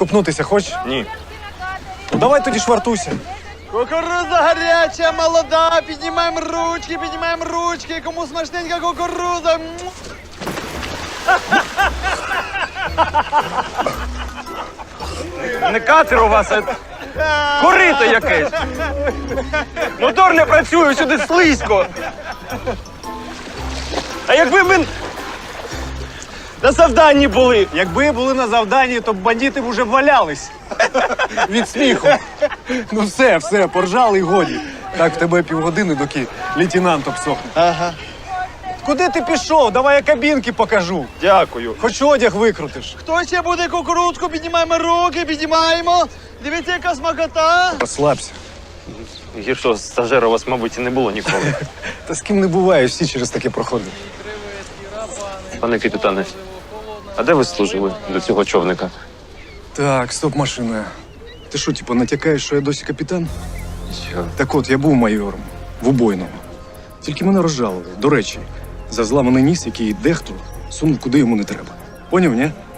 Купнутися хочеш? Ні. Ну давай тоді швартуйся. Кукурудза гаряча, молода, піднімаємо ручки, кому смачненька кукурудза. Не катер у вас, а корито якесь. Мотор не працює, сюди слизько. А якби ми на завданні були. Якби були на завданні, то б бандити б уже валялись. Від сміху. Ну все, поржали і годі. Так в тебе півгодини, доки лейтенант обсохне. Ага. Куди ти пішов? Давай я кабінки покажу. Дякую. Хоч одяг викрутиш. Хто ще буде кукурудзку? Піднімаємо руки, піднімаємо. Дивіться, яка смакота. Розслабся. Гіршого стажера у вас, мабуть, і не було ніколи. Та з ким не буває, всі через таке проходять. Пане капітане, а де ви служили до цього човника? Так, стоп машиною. Ти що, типу, натякаєш, що я досі капітан? Що? Так от, я був майором в убойному. Тільки мене розжалили. До речі, за зламаний ніс, який дехто сунув куди йому не треба. Поняв, ні?